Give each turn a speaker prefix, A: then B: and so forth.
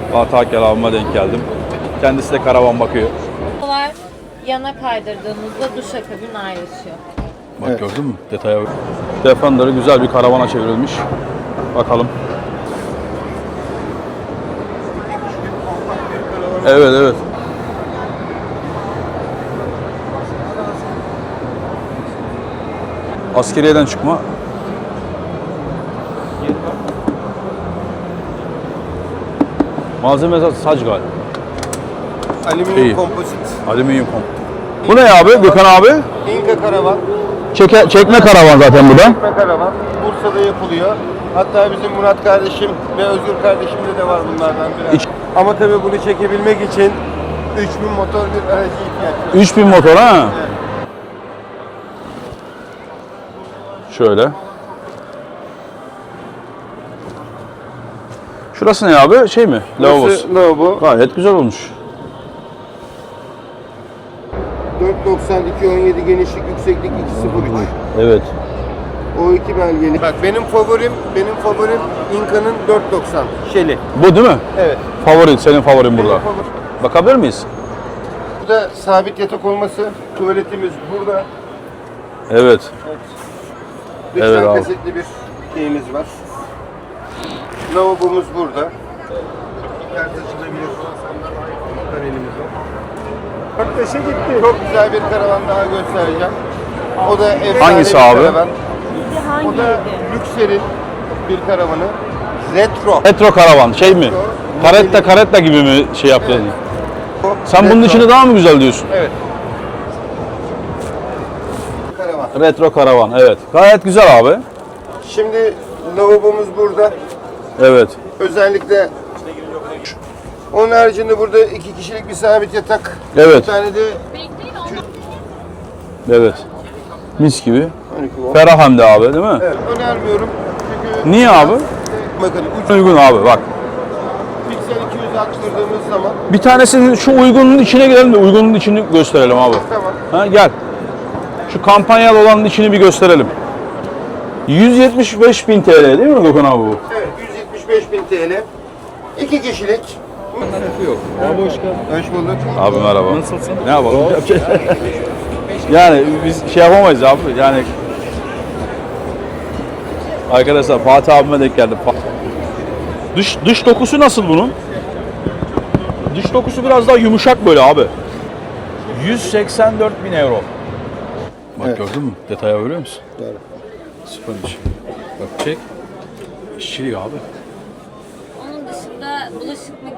A: Fatih Akel abime denk geldim. Kendisi de karavan bakıyor.
B: Bunlar yana kaydırdığımızda duşakabin ayrışıyor.
A: Bak
C: Evet.
A: gördün mü? Detaya bak. Defender'ı güzel bir karavana çevrilmiş. Bakalım. Evet evet. Askeriyeden çıkma. Malzeme saç galiba.
C: Alüminyum
A: İyi.
C: kompozit.
A: Alüminyum komp. Bu ne abi Gökhan abi?
C: İnka karavan.
A: Çekme karavan zaten bu da.
C: Çekme karavan. Bursa'da yapılıyor. Hatta bizim Murat kardeşim ve Özgür kardeşimde de var bunlardan biraz. Ama tabii bunu çekebilmek için 3000 motor bir aracı ihtiyaç var.
A: 3000 motor ha?
C: Evet.
A: Şöyle. Şurası ne abi? Şey mi? Lavabosu.
C: Burası lavabo.
A: Gayet güzel olmuş.
C: 4.92 17 genişlik yükseklik 2.03.
A: Evet.
C: O iki belgeli. Bak benim favorim Inka'nın 4.90 Shelly.
A: Bu değil mi?
C: Evet.
A: Favorin, senin favorin burada.
C: Benim favorim.
A: Bakabilir miyiz?
C: Burada sabit yatak olması, tuvaletimiz burada.
A: Evet.
C: Lütfen
A: Evet abi.
C: kasetli bir şeyimiz var. Lavabomuz burada. Ters açılabilir. Panelimiz var. Bak taşı gitti. Çok güzel bir karavan daha göstereceğim. O da efsane
A: Hangisi
C: bir
A: abi?
C: karavan. O da Lükser'in bir karavanı. Retro.
A: Retro karavan şey mi? Karetta gibi mi şey yaptın?
C: Evet. O
A: Sen bunun
C: retro.
A: içini daha mı güzel diyorsun?
C: Evet. Karavan.
A: Retro karavan evet. Gayet güzel abi.
C: Şimdi lavabomuz burada.
A: Evet.
C: Özellikle onun haricinde burada 2 kişilik bir sabit yatak.
A: Evet.
C: Bir tane de
A: Evet. Mis gibi.
C: 12 volt.
A: Ferah hem de abi değil mi?
C: Evet, önermiyorum. Çünkü
A: Niye abi?
C: bakın
A: Uygun abi bak.
C: piksel 200 arttırdığımız zaman
A: Bir tanesinin şu uygunun içine girelim de uygunun içini gösterelim abi.
C: tamam.
A: Ha, gel. Şu kampanyalı olanın içini bir gösterelim. 175.000 TL değil mi Gökhan abi bu?
C: Evet 175.000 TL. 2 kişilik.
D: Yok. Abi hoş geldin.
C: Hoş bulduk.
A: Abi merhaba.
D: Nasılsın?
A: Ne yapalım? Yani biz şey yapamayız abi. Yani arkadaşlar Fatih abime denk geldim. Dış dokusu nasıl bunun? Dış dokusu biraz daha yumuşak böyle abi. 184.000 euro. Bak
C: Evet.
A: gördün mü? Detaya görüyor musun?
C: Doğru.
A: Süpermiş. Bak çek. İşçilik abi.
B: Onun dışında bulaşık